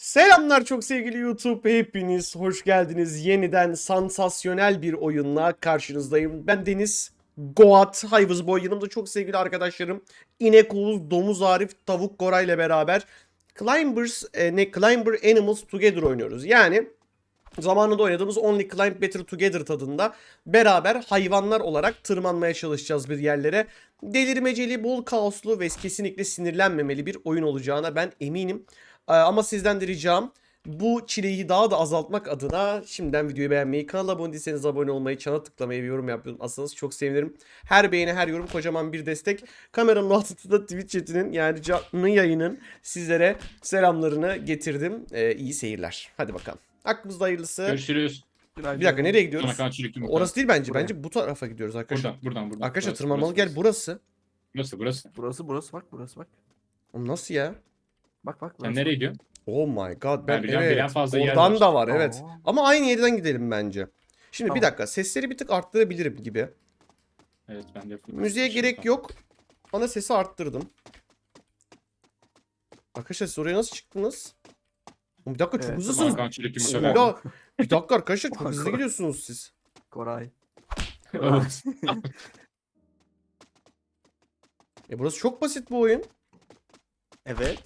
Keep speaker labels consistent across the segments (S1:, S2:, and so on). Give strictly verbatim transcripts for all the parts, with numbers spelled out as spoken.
S1: Selamlar çok sevgili YouTube. Hepiniz hoş geldiniz. Yeniden sansasyonel bir oyunla karşınızdayım. Ben Deniz Goat Hayvızboy. Yanımda çok sevgili arkadaşlarım İnek Oğuz, Domuz Arif, Tavuk Koray ile beraber Climbers, e, ne Climber Animals Together oynuyoruz. Yani zamanında oynadığımız Only Climb Better Together tadında beraber hayvanlar olarak tırmanmaya çalışacağız bir yerlere. Delirmeceli, bol kaoslu ve kesinlikle sinirlenmemeli bir oyun olacağına ben eminim. Ee, Ama sizden de ricam bu çileyi daha da azaltmak adına şimdiden videoyu beğenmeyi, kanala abone değilseniz abone olmayı, çana tıklamayı ve yorum yapmayı unutmazsanız çok sevinirim. Her beğeni, her yorum kocaman bir destek. Kameranın altında Twitch chatinin yani canlı yayının sizlere selamlarını getirdim. Ee, iyi seyirler. Hadi bakalım. Aklımızda hayırlısı.
S2: Görüşürüz.
S1: Bir dakika nereye gidiyoruz?
S2: Sonra çürük yumurta.
S1: Orası değil bence.
S3: Buraya.
S1: Bence bu tarafa gidiyoruz arkadaşlar.
S2: Buradan, buradan, buradan.
S1: Arkadaşlar
S2: Burası,
S1: tırmanmalı
S2: burası,
S1: gel burası.
S2: Burası, burası.
S3: Burası burası bak burası bak.
S1: Oğlum nasıl ya?
S3: Bak bak
S2: Sen
S3: burası.
S2: nereye gidiyorsun?
S1: Oh my god. Ben
S2: biliyorum,
S1: evet.
S2: bilen fazla yer
S1: Oradan
S2: var.
S1: da var evet.
S3: Aa.
S1: Ama aynı yerden gidelim bence. Şimdi bir
S3: Tamam.
S1: dakika. Sesleri bir tık arttırabilirim gibi.
S2: Evet, ben de full
S1: Müziğe
S2: kısmışım
S1: gerek
S2: tam.
S1: yok. Ana sesi arttırdım. Arkadaşlar siz oraya nasıl çıktınız? Oğlum bir dakika çok
S3: Evet,
S1: hızlısınız.
S2: Hakan çürük yumurta
S1: Bismillah.
S2: verdi.
S1: Bir dakika arkadaşlar çok hızlı
S3: Hakan.
S1: gidiyorsunuz siz.
S3: Koray.
S2: Evet.
S1: E burası çok basit bu oyun.
S4: Evet.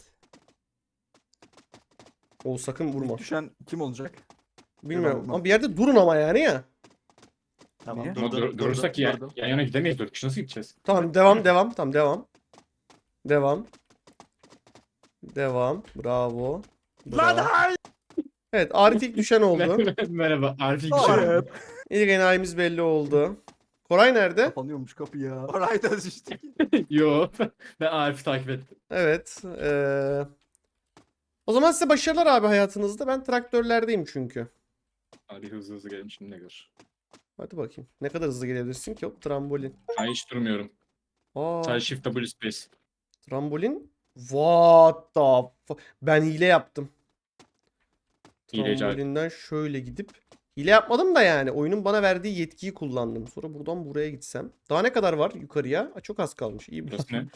S1: O sakın vurma.
S3: Düşen kim olacak?
S1: Bilmiyorum
S3: Vurma.
S1: ama bir yerde durun ama yani ya.
S4: Tamam
S3: Niye?
S2: Ama
S4: durdum.
S2: dur,
S4: durdum.
S2: durursak yan,
S3: durdum.
S2: yan yana gidemeyiz. Dört kişi nasıl gideceğiz?
S1: Tamam devam devam. Tamam devam. Devam. Devam. Bravo. Bravo. Evet Arif ilk düşen oldu.
S2: Merhaba. Arif ilk
S3: Hayır.
S1: İlk enayimiz belli oldu. Koray nerede?
S3: Kapanıyormuş kapı ya.
S4: Orayda düştük.
S2: Yo. Ben Arif'i takip ettim.
S1: Evet. eee, O zaman size başarılar abi hayatınızda. Ben traktörlerdeyim çünkü.
S2: Hadi hızlı hızlı gelin şimdi ne gör.
S1: Hadi bakayım. Ne kadar hızlı gelebilirsin ki? Hop trambolin.
S2: Ben hiç durmuyorum.
S1: Aa,
S2: Sadece Shift W Space.
S1: trambolin. What the fu- Ben hile yaptım.
S2: Hileci Arif.
S1: Trambolinden şöyle gidip hile yapmadım da yani oyunun bana verdiği yetkiyi kullandım. Sonra buradan buraya gitsem. Daha ne kadar var yukarıya? Aa, çok az kalmış. İyi bir.
S2: Burası ne?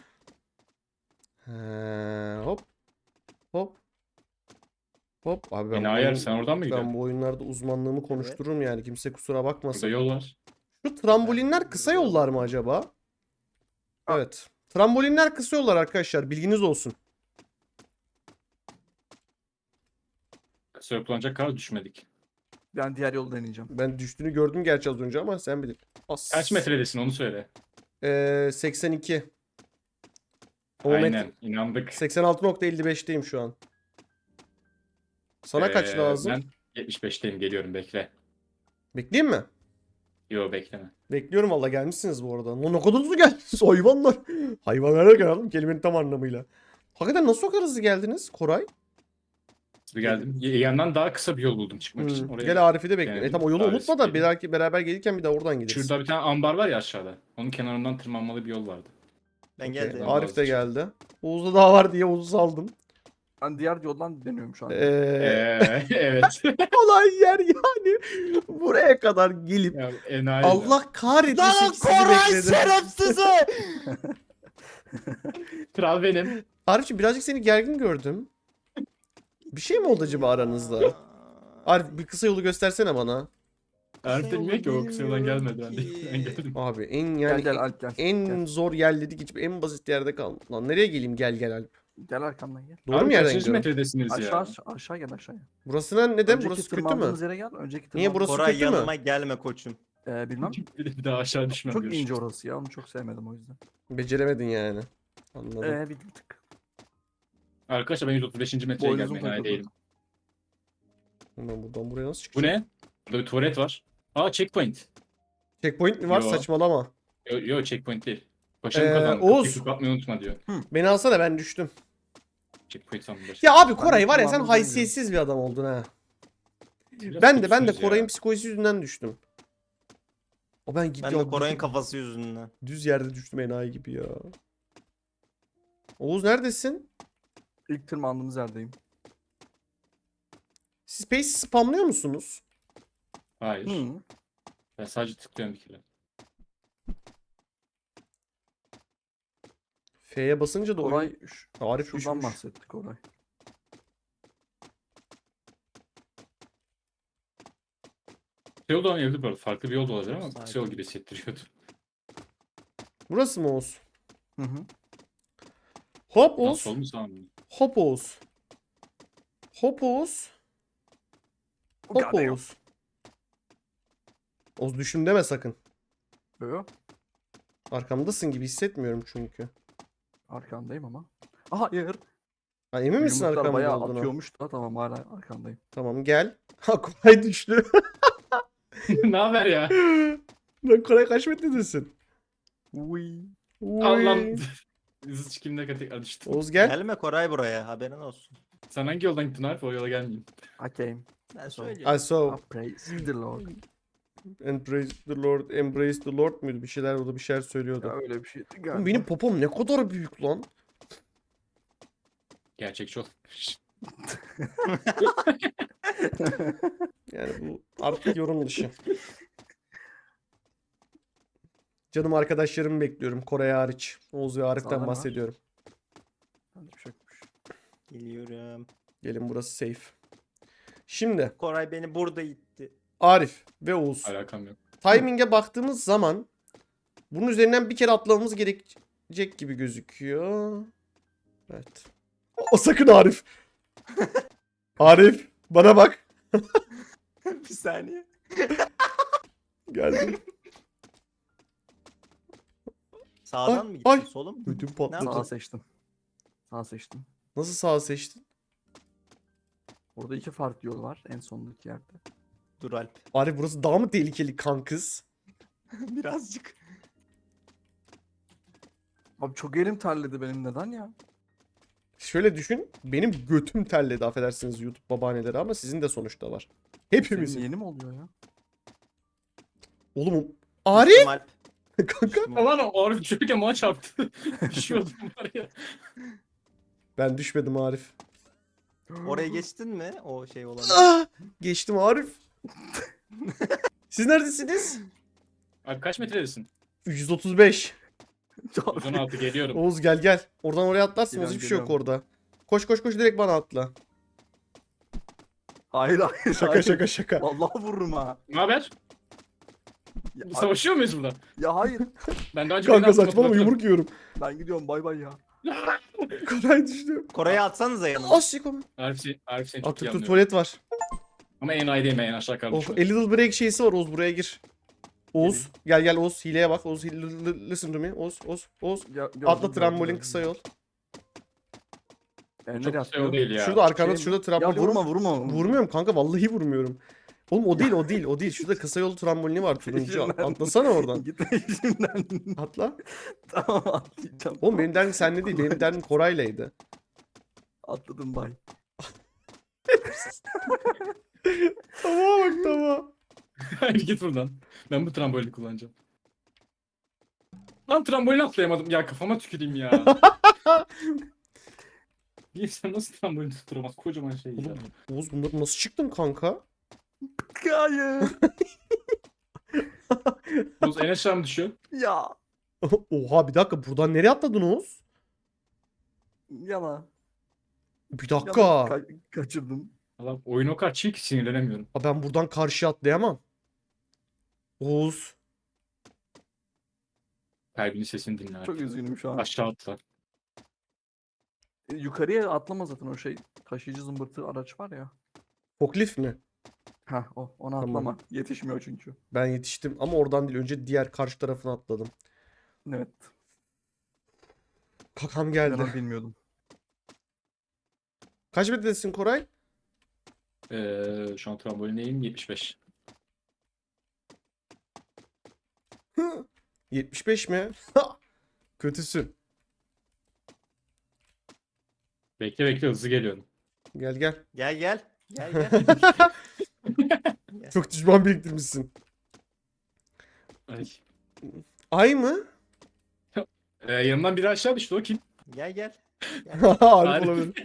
S1: He, hop. Hop. Hop. Abi ben,
S2: Beni
S1: bu
S2: ayar
S1: oyun-
S2: sen oradan mı
S1: ben
S2: gidiyorsun?
S1: bu oyunlarda uzmanlığımı konuştururum yani. Kimse kusura
S2: Burada
S1: bakmasın.
S2: yol var.
S1: Şu trambolinler kısa yollar mı acaba? Evet. Trambolinler kısa yollar arkadaşlar. Bilginiz olsun.
S2: Kısa yapılacak kadar düşmedik.
S3: Ben diğer yolu deneyeceğim.
S1: Ben düştüğünü gördüm gerçi az önce ama sen bilir. As.
S2: Kaç metredesin onu söyle.
S1: Ee, seksen iki. O
S2: Aynen.
S1: metre-
S2: İnandık.
S1: seksen altı nokta elli beşteyim şu an. Sana kaç
S2: Ee,
S1: lazım?
S2: Ben yetmiş beşteyim, geliyorum, bekle.
S1: Bekleyeyim mi?
S2: Yo, bekleme.
S1: Bekliyorum valla gelmişsiniz bu arada. Lan ne kadar hızlı geldiniz hayvanlar. Hayvanlara geldim kelimenin tam anlamıyla. Hakikaten nasıl o kadar hızlı geldiniz Koray?
S2: Hızlı geldim. Y- Yandan daha kısa bir yol buldum çıkmak için.
S1: Hmm.
S2: Oraya
S1: Gel Arif'i de bekliyorum. E
S2: Yani
S1: tam o yolu
S2: Arif
S1: unutma da
S2: geliyor.
S1: belki beraber gelirken bir daha oradan gideriz.
S2: Şurada bir tane ambar var ya aşağıda. Onun kenarından tırmanmalı bir yol vardı.
S4: Ben
S1: Okey,
S4: geldim.
S1: Arif de geldi. Oğuz'da daha var diye Oğuz'u saldım.
S3: Ben diğer yoldan deniyorum şu an.
S1: Ee,
S2: Ee, evet.
S1: olay yer yani. Buraya kadar gelip
S2: Ya, enayi.
S1: Allah kahretmesin
S4: Lan
S1: ki sizi
S4: Koray
S1: bekledim.
S4: şerefsizi!
S2: Kral benim.
S1: Arif'ciğim birazcık seni gergin gördüm. Bir şey mi oldu acaba aranızda? Arif bir kısa yolu göstersene bana.
S2: Arif bilmiyor ki o kısa yoldan
S4: bilmiyorum
S2: gelmedi. Ben, de,
S4: ki.
S2: ben geldim.
S1: Abi en
S3: Gel
S1: yani
S3: gel Alp gel.
S1: en
S3: Gel,
S1: zor yerledik hiç en basit yerde kaldım. Lan nereye geleyim gel gel Alp.
S3: gel arkamdan gel.
S1: Doğru
S2: Abi
S1: mu yerden
S2: kaçıncı
S1: gidiyorum?
S2: metredesiniz
S3: Aşağı
S2: ya?
S3: aşağı, aşağı gel aşağıya.
S1: Burasına neden?
S3: Önceki
S1: Burası kötü mü?
S3: tırmandığımız yere gel. Önceki
S1: Niye
S3: tırmandığımız-
S1: burası
S4: Koray
S1: kötü mü?
S4: yanıma gelme koçum.
S3: Ee, bilmem.
S2: Bir de, bir daha aşağı düşmem.
S3: Çok
S2: görüşürüz.
S3: ince orası ya. Onu çok sevmedim o yüzden.
S1: Beceremedin yani. Anladım.
S3: Ee, bir bir tık.
S2: Arkadaşlar ben yüz otuz beşinci metreye
S3: Boynuzum
S2: gelmeye enayi
S3: takıldı.
S2: değilim.
S1: Ben buradan buraya nasıl
S2: Bu
S1: çıkacağım?
S2: ne? Burada bir tuvalet var. Aa, checkpoint.
S1: Checkpoint mi var?
S2: Yo.
S1: Saçmalama.
S2: Yo, yo checkpoint değil. Başarı
S1: Ee,
S2: kazandım.
S1: Oğuz.
S2: Kapıyı kapatmayı unutma diyor.
S1: Beni alsana ben düştüm.
S2: Checkpoint sandım başarı.
S1: Ya abi Koray
S3: Ben
S1: var ya sen
S3: kullanmadım
S1: haysiyetsiz bir adam oldun ha.
S2: Biraz
S1: Ben de ben de
S2: kötüsünüz ya.
S1: Koray'ın psikolojisi yüzünden düştüm. O ben
S4: Ben
S1: gidiyorum.
S4: de Koray'ın kafası yüzünden.
S1: Düz yerde düştüm enayi gibi ya. Oğuz neredesin?
S3: İlk tırmandığımız yerdeyim.
S1: Siz Space spamlıyor musunuz?
S2: Hayır.
S3: Hı.
S2: Ben sadece tıklıyorum bir kere.
S1: F'ye basınca da
S3: Koray
S1: oyun
S3: ş-
S1: Arif
S3: şuradan
S1: düşmüş.
S3: bahsetti Koray.
S2: Kısa yol da olabilir bu arada. Farklı bir yol da olabilir ama
S4: Sakin.
S2: kısa yol gibi hissettiriyordu.
S1: Burası mı Oğuz?
S3: Hı hı.
S1: Hop
S2: Lan
S1: Oğuz.
S2: sol mu sağ mı?
S1: Hop Oğuz. Hop Oğuz. Hop
S3: Goddamn.
S1: Oğuz. Oğuz düşün deme sakın.
S3: Yo,
S1: Arkamdasın gibi hissetmiyorum çünkü.
S3: arkandayım ama. Aha hayır.
S1: Ha, emin misin
S3: Yumruklar
S1: arkamda
S3: bayağı
S1: olduğuna?
S3: atıyormuş da tamam hala arkandayım.
S1: Tamam gel. Ha Koray düştü.
S2: Ne haber ya?
S1: Lan Koray kaç metredesin?
S3: Uy.
S2: Allah'ım. Hızlı çıkayım da tekrar düştüm.
S1: Oğuz gel.
S4: Gelme Koray buraya haberin olsun.
S2: Sen hangi yoldan gittin Arif? O yola gelmeyeyim.
S3: I came.
S4: Ben
S1: I
S4: söyleyeyim.
S1: saw
S3: I praise the Lord.
S1: and praise the Lord, embrace the Lord muydu? Bir şeyler orada bir şeyler
S3: Ya
S1: söylüyordu.
S3: öyle bir şeydi
S1: Oğlum
S3: galiba.
S1: benim popom ne kadar büyük lan.
S2: Gerçekçi ol.
S1: Yani bu artık yorum dışı. Canım arkadaşlarımı bekliyorum. Koray hariç. Oğuz ve Arif'ten
S3: Sağda ne var?
S1: bahsediyorum.
S3: Bende bir şey yokmuş.
S4: Geliyorum.
S1: Gelin burası safe. Şimdi
S4: Koray beni burada itti.
S1: Arif ve Oğuz.
S2: Alakam yok.
S1: Timing'e baktığımız zaman bunun üzerinden bir kere atlamamız gerekecek gibi gözüküyor. Evet. O sakın Arif. Arif bana bak.
S4: Bir saniye.
S1: Geldim.
S4: Sağdan
S1: Ay,
S4: mı gittin?
S1: ay.
S4: Sola mı?
S1: Ödüm
S4: Ne
S1: patladı.
S3: Sağ
S4: yaptın?
S3: seçtim. Sağ seçtim.
S1: Nasıl sağ seçtin?
S3: Burada iki farklı yol var en sondaki yerde.
S4: Dur Alp.
S1: Arif burası daha mı tehlikeli kankız?
S4: Birazcık.
S3: Abi çok elim terledi benim neden ya?
S1: Şöyle düşün. Benim götüm terledi affedersiniz YouTube babaanneleri ama sizin de sonuçta var. Hepimizin.
S3: Senin yeni mi oluyor ya?
S1: Oğlum Arif
S4: Düştüm Alp.
S1: kanka.
S4: Düştüm.
S2: Aman o Arif düşürken bana çarptı. Düşüyordum var ya.
S1: Ben düşmedim Arif.
S4: Oraya geçtin mi? O şey olan.
S1: Ah! Geçtim Arif. Siz neredesiniz?
S2: Abi kaç metredesin?
S1: yüz otuz beş.
S2: yüz on altı geliyorum.
S1: Oğuz gel gel. Oradan oraya atlarsın.
S3: Geliyorum,
S1: Hiçbir şey yok
S3: geliyorum.
S1: orada. Koş koş koş direkt bana atla.
S3: Hayır hayır.
S1: Şaka
S3: hayır.
S1: şaka şaka.
S3: Vallahi vururum ha.
S2: Ne haber?
S3: Ya,
S2: Savaşıyor muyuz burada?
S3: ya hayır.
S2: Ben daha önce
S1: Kanka
S2: beni
S1: saçmalama
S2: atmadım.
S1: yumruk yiyorum.
S3: Ben gidiyorum bay bay ya.
S1: Koray düştü.
S4: Koray'ı atsanıza yanıma.
S1: Asik onu.
S2: Arif, seni- Arif seni çok iyi
S1: Artık dur
S2: anlıyorum.
S1: tuvalet var.
S2: Ama en ay değil mi? En aşağı
S1: Of,
S2: kalmış.
S1: a little break şeysi var Oğuz buraya gir. Oğuz gel gel Oğuz hileye bak. Oğuz hile- li- li- listen to me. Oğuz Oğuz Oğuz.
S3: Ya, gördüm,
S1: Atla
S3: gördüm,
S1: trambolin
S3: gördüm.
S1: kısa yol.
S3: E, nereye
S2: Çok şey
S3: atlıyor?
S2: o değil ya.
S1: Şurada arkanda
S3: Şey-
S1: şurada
S3: Ya
S1: trambolin var.
S3: vurma vurma.
S1: Vurmuyorum kanka vallahi vurmuyorum. Oğlum o değil o değil o değil. Şurada kısa yol trambolini var turuncu.
S3: Peşinden.
S1: Atlasana oradan.
S3: Gitme işimden.
S1: Atla.
S3: Tamam atlayacağım.
S1: Oğlum benim derdim seninle değil. Benim derdim Koray'laydı.
S3: Atladım bay.
S1: Tamam bak tamam.
S2: Hayır git buradan. Ben bu trambolini kullanacağım. Lan trambolini atlayamadım. Ya kafama tüküreyim ya. Bir insan nasıl trambolini tutturamaz? Kocaman şey ya.
S1: Oğlum Oğuz bunları nasıl çıktın kanka?
S3: Hayır.
S2: Oğuz en aşağı mı düşüyor?
S3: ya.
S1: Oha bir dakika buradan nereye atladın Oğuz?
S3: Yana.
S1: Bir
S3: Yana
S1: dakika.
S3: ka- kaçırdım.
S2: Allah oyun o kadar çiğ ki sinirlenemiyorum.
S1: Aa, ben buradan karşıya atlayamam. Oğuz.
S2: Kalbinin sesini dinle artık.
S3: Çok üzgünüm şu an.
S2: Aşağı atla.
S3: E, Yukarıya atlama zaten o şey. Taşıyıcı zımbırtı araç var ya.
S1: Forklift mi?
S3: Ha o ona
S1: Tamam.
S3: atlama. Yetişmiyor çünkü.
S1: Ben yetiştim ama oradan değil. Önce diğer karşı tarafına atladım.
S3: Evet.
S1: Kakam
S3: Ben
S1: geldi.
S3: onu bilmiyordum.
S1: Kaç metredesin Koray?
S2: Ee, şu an trambolineyim yetmiş beş.
S1: yetmiş beş mi? Kötüsün.
S2: Bekle bekle hızlı geliyorum.
S1: Gel gel.
S4: Gel gel. Gel gel.
S1: Çok düşman biriktirmişsin.
S2: Ay.
S1: Ay mı?
S2: Ee, yanımdan biri aşağı düştü o kim?
S4: Gel gel.
S1: Arif
S2: Arif.
S1: olabilir.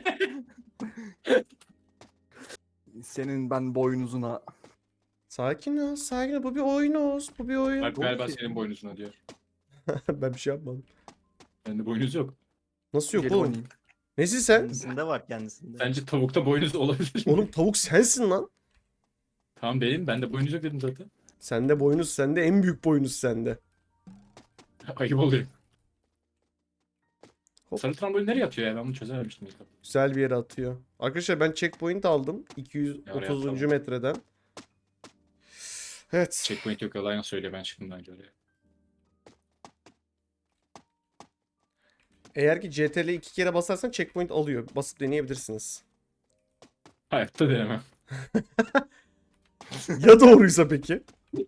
S3: Senin ben boynuzuna.
S1: Sakin ol, sakin ol. Bu bir oyun Oğuz. Bu bir oyun.
S2: Alp galiba
S3: ki-
S2: senin boynuzuna diyor.
S1: Ben bir şey yapmadım.
S2: Bende boynuz yok.
S1: Nasıl yok
S3: Gelip
S1: oğlum?
S3: oynayayım.
S1: Nesin sen?
S4: Kendisinde var kendisinde.
S2: Bence tavukta boynuz olabilir.
S1: Oğlum tavuk sensin lan.
S2: Tamam benim. Ben de boyunuz yok dedim zaten.
S1: Sende boynuz sende. En büyük boynuz sende.
S2: Ayıp oluyor.
S1: Hop.
S2: Sarı trambolin nereye atıyor ya? Ben bunu çözememiştim ilk defa.
S1: Güzel bir yere atıyor. Arkadaşlar ben checkpoint aldım. iki yüz otuzuncu
S2: atalım.
S1: metreden. Evet.
S2: Checkpoint yok. Yalan söylüyor. Ben çıktım bence oraya.
S1: Eğer ki C T R'ye iki kere basarsan checkpoint alıyor. Basıp deneyebilirsiniz.
S2: Hayatta denemem.
S1: Ya doğruysa peki?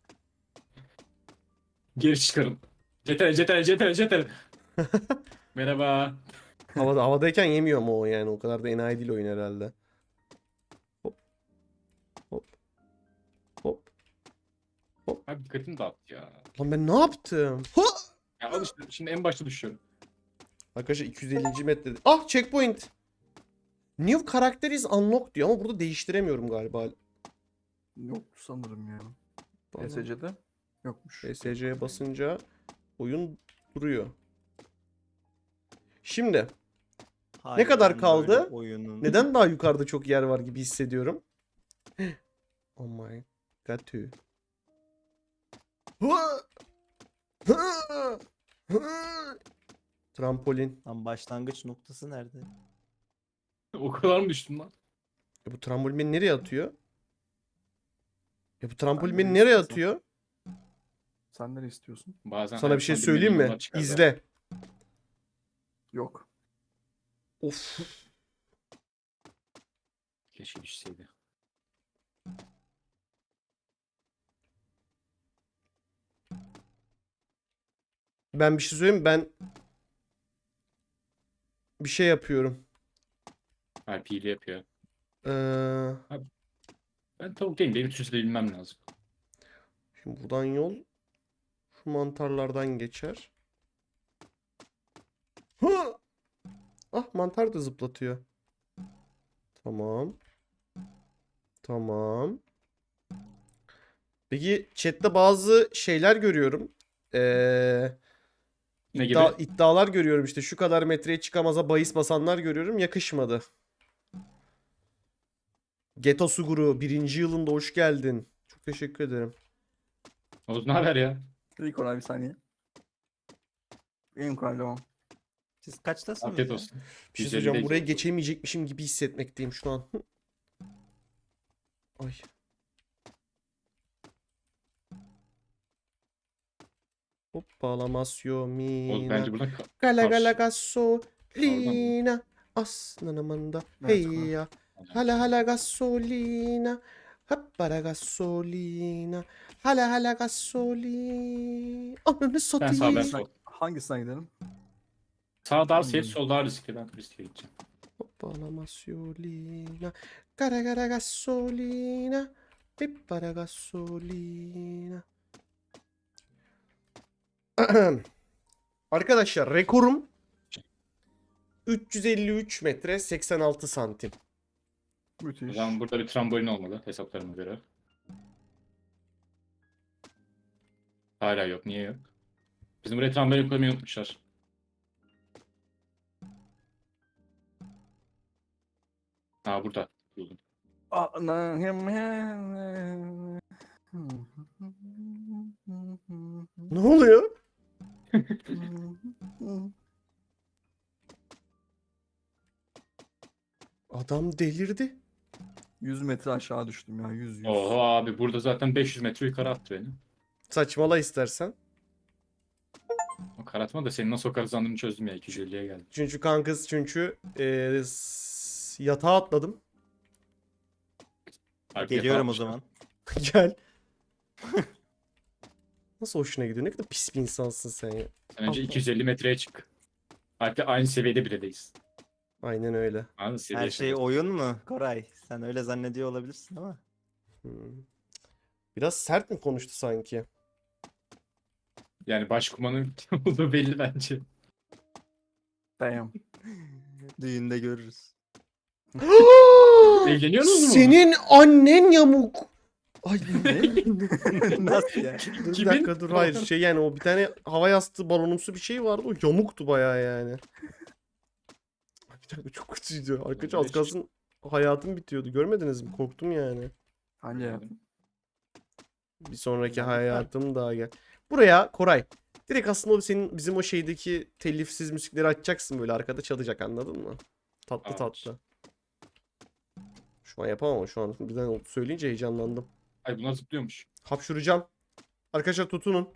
S2: Geri çıkarın. Cetel, cetel, cetel, cetel. Merhaba.
S1: Havada, havadayken yemiyor mu o yani? O kadar da enayi değil oyun herhalde. Hop. Hop. Hop.
S2: Abi dikkatimi dağıttı ya.
S1: Lan ben ne yaptım? Ha!
S2: Ya al işte şimdi en başta düşüyorum.
S1: Arkadaşlar iki yüz ellinci metrede. Ah checkpoint. New character is unlocked diyor ama burada değiştiremiyorum galiba.
S3: Yok sanırım ya.
S1: Bana-
S3: E S C'de yokmuş.
S1: P S C'ye basınca oyun duruyor. Şimdi Ne kadar
S4: Harbiden
S1: kaldı?
S4: böyle Oyunun.
S1: neden daha yukarıda çok yer var gibi hissediyorum? Oh my god. tüh. Hı! Hı! Hı! Trampolin.
S4: Lan başlangıç noktası nerede?
S2: O kadar mı düştüm lan?
S1: Ya bu trambolin beni nereye atıyor? Ya bu trambolin
S3: Ben
S1: beni
S3: de
S1: nereye
S3: istiyorsan.
S1: atıyor?
S3: Sen nereye istiyorsun?
S2: Bazen
S1: Sana bir şey
S2: hayatımda
S1: söyleyeyim
S2: bilmediğim
S1: mi?
S2: yollar çıkar da.
S1: İzle.
S3: Yok.
S1: Of.
S2: Keşke düşseydi.
S1: Ben bir şey söyleyeyim mi? Ben bir şey yapıyorum.
S2: R P ile yapıyor.
S1: Ee,
S2: Ben tavuk değilim. Benim süsle bilmem lazım.
S1: şimdi buradan yol şu mantarlardan geçer. Hı! Ah mantar da zıplatıyor. Tamam. Tamam. Peki chatte bazı şeyler görüyorum. Ee,
S2: Ne
S1: iddia-
S2: gibi?
S1: iddialar görüyorum işte şu kadar metreye çıkamaza bahis basanlar görüyorum. Yakışmadı. Geto Suguru birinci yılında hoş geldin. Çok teşekkür ederim.
S2: Oğuz ne haber ya?
S3: İlk ona bir saniye. İlk ona devam.
S4: Siz kaçtasınız
S2: Afiyet
S4: ya?
S2: olsun.
S1: Bir şey
S2: yüz
S1: söyleyeceğim.
S2: ellideyiz
S1: Buraya
S2: Oğuz.
S1: geçemeyecekmişim gibi hissetmekteyim şu an. Ay. Hoppala masyo
S2: Oğuz
S1: mina.
S2: bence buna ka-
S1: Gala
S2: karşı.
S1: gala gasolina. Aslanımında.
S3: Evet,
S1: Hey
S3: tamam.
S1: ya. Hala hala gasolina. Hoppala gasolina. Hala hala gasolina. Ananı
S2: Ben sağ ben
S1: satayım.
S2: sol.
S3: Hangisine gidelim?
S2: Sağ daha
S3: Hmm.
S2: safe, sol daha riskli. Ben riske gideceğim.
S1: Hoppala massolina. Gara gara gasolina. Pippara gasolina. Arkadaşlar rekorum üç yüz elli üç metre seksen altı santim.
S2: O
S3: Müthiş.
S2: zaman burada bir trambolin olmalı hesaplarıma göre. Hala yok. Niye yok? Bizim buraya trambolin koymayı unutmuşlar. Ha burada. Buldum.
S1: Ne oluyor? Adam delirdi.
S3: yüz metre aşağı düştüm ya. yüz yüz.
S2: Oho abi burada zaten beş yüz metre yukarı attı beni.
S1: Saçmala istersen.
S2: O karatma da senin nasıl o kadar hızlandığını çözdüm ya. iki yüz elliye geldim.
S1: Çünkü kankız çünkü eee, s- yatağa atladım.
S2: Arkaya
S4: Geliyorum o
S2: atmışlar.
S4: zaman.
S1: Gel. Nasıl hoşuna gidiyor? Ne kadar pis bir insansın sen ya.
S2: Sen önce iki yüz elli metreye çık. Hatta aynı seviyede bile değiliz.
S1: Aynen öyle.
S2: Aynı seviye.
S4: Her şey oyun mu Koray? Sen öyle zannediyor olabilirsin ama.
S1: Hmm. Biraz sert mi konuştu sanki?
S2: Yani başkumanın kim olduğu belli bence.
S3: Damn.
S4: Düğünde görürüz.
S2: Evleniyorsunuz mu?
S1: Senin annen yamuk. Ay
S4: Nasıl ya?
S1: dur bir
S2: Kimin?
S1: dakika dur hayır şey yani o bir tane hava yastığı balonumsu bir şey vardı o yamuktu bayağı yani. Ay, bir dakika çok kötüydü. Arkadaşlar az kalsın hayatım bitiyordu görmediniz mi? Korktum yani.
S3: Hangi hayatım?
S1: Bir sonraki
S3: Harika.
S1: hayatım daha gel. Buraya Koray. Direkt aslında o senin bizim o şeydeki telifsiz müzikleri açacaksın, böyle arkada çalacak, anladın mı? Tatlı
S2: Aç.
S1: tatlı. Şu an yapamam ama şu an birden söyleyince heyecanlandım.
S2: Ay bunlar zıplıyormuş.
S1: Hapşuracağım. Arkadaşlar tutunun.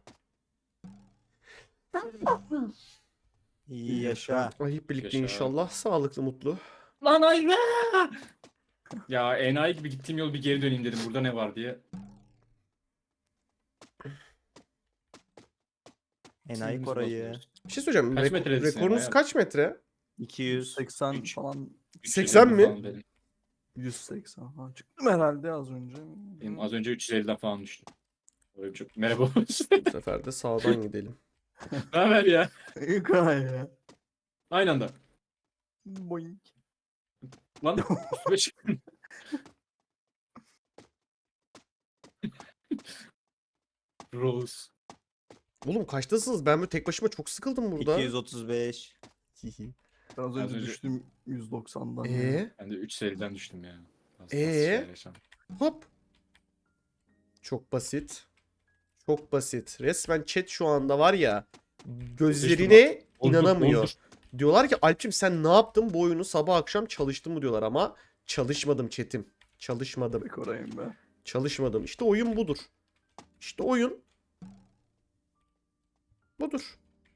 S4: İyi yaşa.
S1: Ay hep birlikte
S2: Yaşa.
S1: inşallah. Sağlıklı, mutlu.
S2: Lan ay be! Ya enayi gibi gittiğim yol bir geri döneyim dedim. Burada ne var diye.
S4: Enayi
S2: Sinirimizi
S4: Koray'ı.
S2: bozuyoruz.
S1: Bir şey söyleyeceğim.
S2: Kaç
S1: Reko-
S2: metredesin
S1: rekorunuz
S2: ya?
S1: kaç metre?
S4: iki yüz.
S3: seksen
S2: Üç.
S3: falan,
S2: üç
S1: seksen
S2: yüz elli
S1: mi?
S2: falan benim.
S3: yüz seksen falan çıktım herhalde az önce.
S2: Benim az önce üç yüz elliden falan düştüm. Öyle çok... Merhaba.
S1: Bu sefer de sağdan gidelim.
S2: Ne haber ya?
S3: İyi Koray ya.
S2: Aynı anda.
S3: Boink.
S2: Lan üstüme çıktın. Rose.
S1: Oğlum kaçtasınız? Ben böyle tek başıma çok sıkıldım burada.
S4: iki yüz otuz beş.
S1: Hihi.
S3: Ben az önce
S2: önce-
S3: düştüm yüz doksandan. ya.
S1: Ee,
S2: Ben de üç yüz elliden düştüm ya. Az- az
S1: Ee?
S2: şeyler yaşandı.
S1: hop. Çok basit. Çok basit. Resmen chat şu anda var ya, gözlerine
S2: Oldur,
S1: inanamıyor.
S2: oldur.
S1: Diyorlar ki Alp'cim sen ne yaptın, bu oyunu sabah akşam çalıştın mı diyorlar, ama çalışmadım chatim. Çalışmadım.
S3: Be Koray'ım be.
S1: Çalışmadım. İşte oyun budur. İşte oyun budur.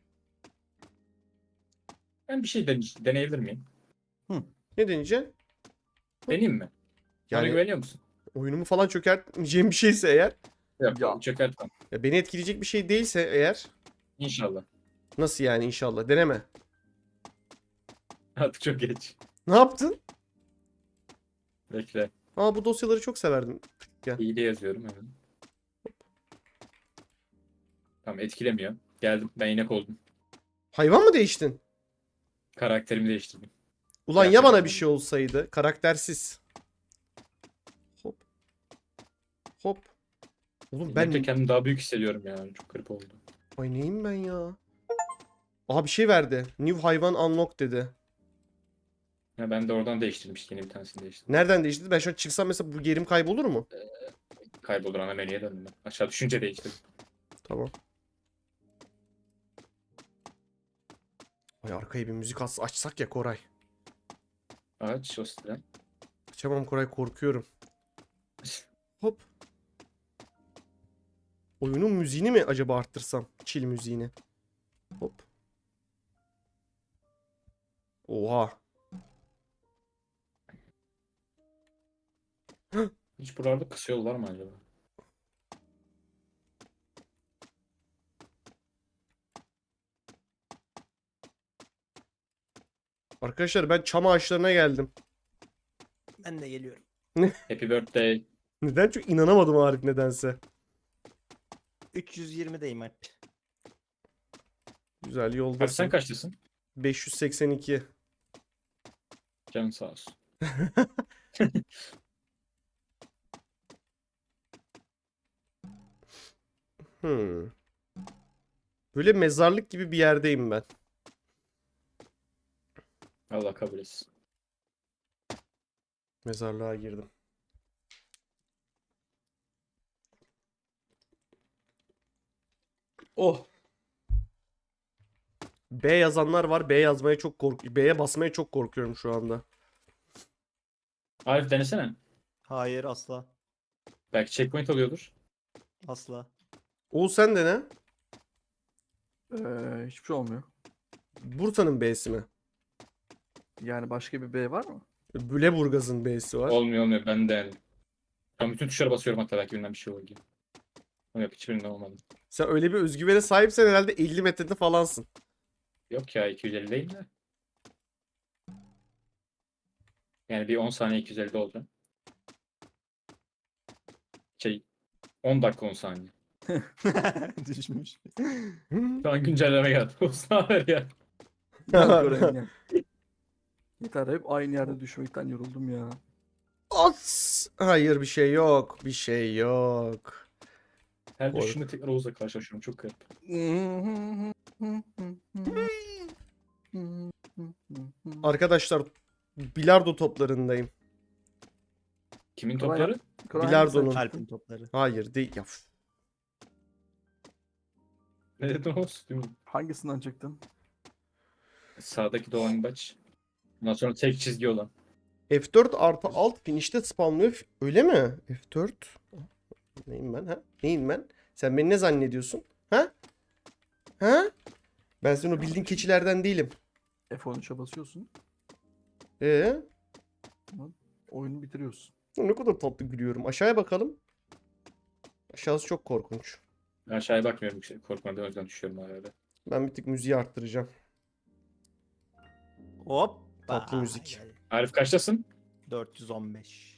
S2: Ben bir şey dene- deneyebilir miyim?
S1: Ne deneyeceksin?
S2: Deneyeyim mi? Bana
S1: Yani
S2: güveniyor musun?
S1: oyunumu falan çökertmeyeceğim bir şeyse eğer,
S2: Yok,
S3: Ya.
S2: çökertmem.
S1: ya beni etkileyecek bir şey değilse eğer,
S2: İnşallah.
S1: nasıl yani inşallah, deneme.
S2: Artık çok geç.
S1: Ne yaptın?
S2: Bekle.
S1: Aa, bu dosyaları çok severdim.
S2: İyi de yazıyorum hemen. Tamam etkilemiyor. Geldim. Ben inek oldum.
S1: Hayvan mı değiştin?
S2: Karakterimi değiştirdim.
S1: Ulan ya
S2: Gerçekten
S1: bana bir
S2: öyle.
S1: şey olsaydı. Karaktersiz. Hop. Hop. Oğlum
S2: Ben de
S1: ben...
S2: kendimi daha büyük hissediyorum yani. Çok garip oldu.
S1: Ay neyim ben ya? Aha bir şey verdi. New hayvan unlock dedi.
S2: Ya ben de oradan değiştirdim işte. Yeni bir tanesini değiştirdim.
S1: Nereden değişti? Ben şu an çıksam mesela bu yerim kaybolur mu?
S2: Kaybolur ana menüye döndüm ben. Aşağı düşünce değiştirdim.
S1: Tamam. Ay arkaya bir müzik as- açsak ya Koray.
S2: Aç o siteden.
S1: Açamam Koray, korkuyorum. Hop. Oyunun müziğini mi acaba arttırsam? Chill müziğini. Hop. Oha.
S2: Hiç buralarda kısıyorlar mı acaba?
S1: Arkadaşlar ben çam ağaçlarına geldim.
S4: Ben de geliyorum.
S2: Happy birthday.
S1: Neden? Çok inanamadım Arif nedense.
S4: üç yüz yirmideyim Alp.
S1: Güzel
S2: Kaç
S1: yoldasın.
S2: sen kaçtasın?
S1: beş yüz seksen iki.
S2: Canın sağ olsun.
S1: Hmm. Böyle mezarlık gibi bir yerdeyim ben.
S2: Allah kabul etsin.
S1: Mezarlığa girdim. Oh. B yazanlar var. B yazmaya çok kork B'ye basmaya çok korkuyorum şu anda.
S2: Arif denesene.
S4: Hayır asla.
S2: Belki checkpoint alıyordur.
S4: Asla.
S1: Oğuz sen de ne?
S3: Ee, hiçbir şey olmuyor.
S1: Bursa'nın B'si mi?
S3: Yani başka bir B var mı?
S1: Lüleburgaz'ın B'si var.
S2: Olmuyor olmuyor. Ben de yani. Ben bütün tuşlara basıyorum hatta belki birinden bir şey olur diye. Ama yok hiçbirinden olmadı.
S1: Sen öyle bir özgüvene sahipsen herhalde elli metrede falansın.
S2: Yok ya iki yüz elli değil de. Yani bir on saniye iki yüz ellide olacağım. Şey on dakika on saniye.
S4: Düşmüş.
S2: Şu an güncelleme geldi. Olsun haber ya.
S3: Gel Koray'ım gel. Yeter hep aynı yerde düşmekten yoruldum ya.
S1: As! Hayır bir şey yok. Bir şey yok.
S2: Her
S1: Kork.
S2: düşünde tekrar Oğuz'la karşılaşıyorum. Çok garip.
S1: Arkadaşlar bilardo toplarındayım.
S2: Kimin
S3: Kolay
S2: topları?
S3: Koray
S1: Bilardonun.
S3: hangisi?
S4: Alp'in topları.
S1: Hayır değil. Ya, üf.
S2: Ne dedim o sütümü?
S3: Hangisinden çıktın?
S2: Sağdaki dolambaç. Ondan sonra tek çizgi olan.
S1: F dört artı alt finish'te spamlıyor. Öyle mi? F dört. Neyim ben ha? Neyim ben? Sen beni ne zannediyorsun? Ha? Ha? Ben senin o bildiğin keçilerden değilim.
S3: F on üçe basıyorsun.
S1: Ee?
S3: Oyunu bitiriyorsun.
S1: Ne kadar tatlı gülüyorum. Aşağıya bakalım. Aşağısı çok korkunç.
S2: Ben aşağıya bakmıyorum. Korkmadan o yüzden düşüyorum arada.
S1: Ben bir tık müziği arttıracağım.
S4: Hop.
S1: Tatlı müzik.
S2: Arif kaçtasın?
S4: dört yüz on beş.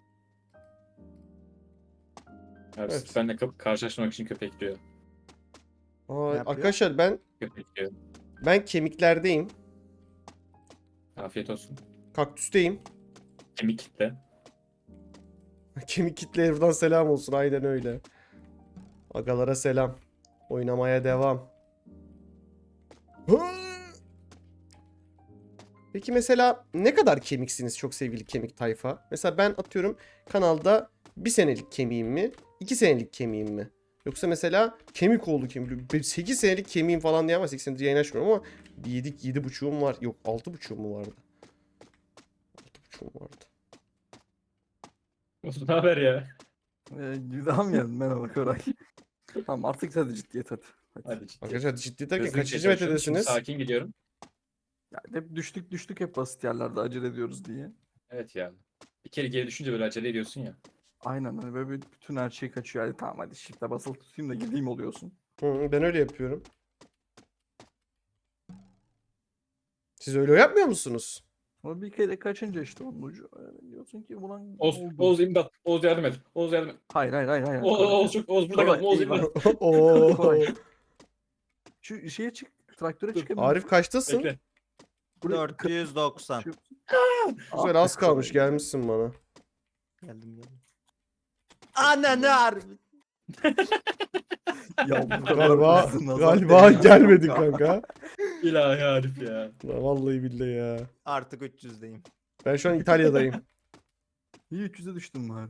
S2: Arif
S1: Evet.
S2: benimle kap- karşılaşmak için köpekliyor.
S1: Aa,
S4: yapıyor?
S1: arkadaşlar ben
S2: Köpekliyor.
S1: ben kemiklerdeyim.
S2: Afiyet olsun.
S1: Kaktüsteyim.
S2: Kemik kitle.
S1: Kemik kitleye buradan selam olsun. Aynen öyle. Agalara selam. Oynamaya devam. Hı! Peki mesela ne kadar kemiksiniz çok sevgili kemik tayfa? Mesela ben atıyorum kanalda bir senelik kemiğim mi? iki senelik kemiğim mi? Yoksa mesela kemik oldu kemik. sekiz senelik kemiğim falan diye ama sekiz senedir yayın açmıyorum ama yedi, yedi buçuğum var. Yok altı buçuğum mu vardı? altı buçuğum vardı.
S2: Olsun ne haber ya?
S3: Ee, devam yani. Merhaba Koray. Tamam artık hadi ciddiyet hadi. Hadi.
S2: Hadi ciddi.
S1: Arkadaşlar ciddi derken
S2: Hızlı
S1: kaçıncı
S2: geçiyorum. Şimdi
S1: metredesiniz?
S2: sakin gidiyorum.
S3: Yani hep düştük düştük hep basit yerlerde acele ediyoruz diye.
S2: Evet ya. Bir kere geri düşünce böyle acele ediyorsun ya.
S3: Aynen hani böyle bir- bütün her şey kaçıyor. Hadi tamam hadi shift'e basılı tutayım da gideyim oluyorsun.
S1: Hı, ben öyle yapıyorum. Siz öyle yapmıyor musunuz?
S3: Ama bir kere kaçınca işte onun ucu. Yani diyorsun ki ulan
S2: Oğuz,
S3: oldu.
S2: Oğuz imdat. Oğuz yardım et. Oğuz yardım et.
S3: Hayır hayır hayır. hayır.
S2: Oğuz,
S3: Koray.
S2: Oğuz, çok, Oğuz burada
S3: Koray,
S2: kaldım. Oğuz
S3: eyvah.
S2: imdat.
S1: Oo.
S3: Koray. Şu şeye çık. Traktöre
S2: Dur,
S3: çıkamıyorum.
S1: Arif kaçtasın?
S2: Bekle.
S3: Buraya-
S4: dört yüz doksan.
S3: Şu-
S1: Güzel
S3: Ah
S1: az
S3: be
S1: kalmış
S3: Koray.
S1: gelmişsin bana.
S4: Geldim geldim. Ananı harbi.
S3: Ya bu kadar
S1: Galiba
S3: hızlı nazar
S1: galiba
S3: değmez
S1: gelmedin
S3: kanka.
S1: kanka.
S2: İlahi Arif ya.
S1: Ya vallahi billahi ya.
S4: Artık üç yüzdeyim.
S1: Ben şu an İtalya'dayım.
S3: İyi üç yüze düştüm bari.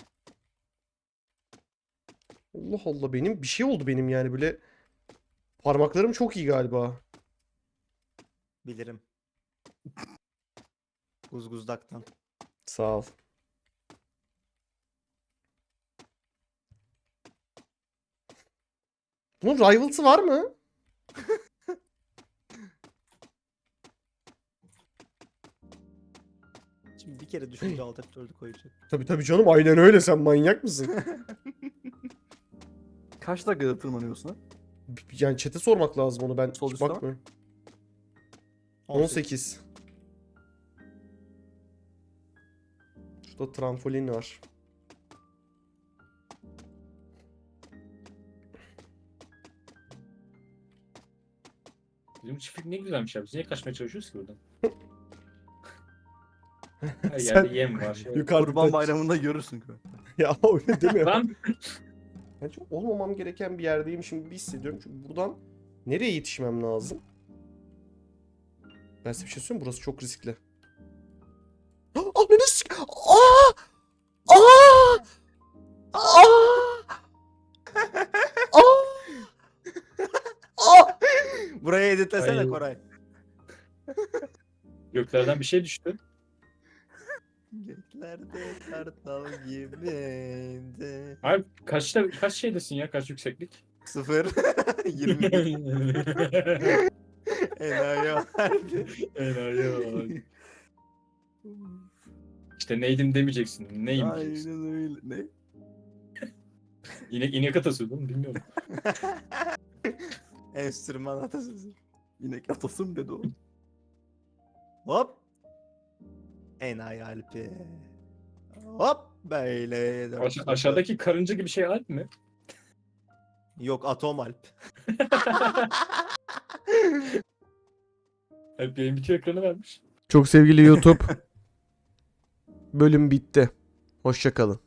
S1: Allah Allah benim bir şey oldu benim yani böyle parmaklarım çok iyi galiba.
S4: Bilirim. Guzguzdaktan.
S1: Sağ ol. Bunun rivals'ı var mı?
S4: Şimdi bir kere düşünce alt F dördü koyacak.
S1: Tabii tabii canım aynen öyle sen manyak mısın?
S3: Kaç dakikada tırmanıyorsun ha?
S1: Yani chat'e sormak lazım onu ben
S3: Sol
S1: hiç
S3: üstte bak.
S1: bakmıyorum. on sekiz. Şurada trampolin var.
S2: Bizim çiftlik ne güzelmiş ya. Biz niye kaçmaya çalışıyoruz ki buradan? Her
S1: Sen
S2: yerde yem var. Şey.
S1: yukarıda
S3: Kurban bayramında görürsün. Koray.
S1: ya öyle deme.
S2: Lan
S1: Ben çok olmamam gereken bir yerdeyim şimdi bir hissediyorum. Çünkü buradan nereye yetişmem lazım? Ben size bir şey söyleyeyim mi? Burası çok riskli. Ah ne risk? Aa! Aa! Aa! Aa! Aa!
S4: Buraya editlesene
S2: Ay.
S4: Koray.
S2: göklerden bir şey düştü.
S4: Göklerde kartal gibiydi.
S2: Abi kaçta kaç şeydesin ya? Kaç yükseklik?
S4: Sıfır. yirmi bir. Enayi harbi.
S2: Enayi. İşte neydim demeyeceksin. Neyim diyeceksin.
S3: Aynen öyle. Ne?
S2: İnek, inek atası oğlum bilmiyorum.
S4: Enstrüman atasözü.
S3: İnek atasım dedi o.
S4: Hop. Enayi Alpi. Hop. Böyle. dört
S2: Aş-
S4: yüz
S2: aşağıdaki karınca gibi şey Alp mi?
S4: Yok Atom Alp.
S2: Alp yayın bitiyor ekranı vermiş.
S1: Çok sevgili YouTube. Bölüm bitti. Hoşça kalın.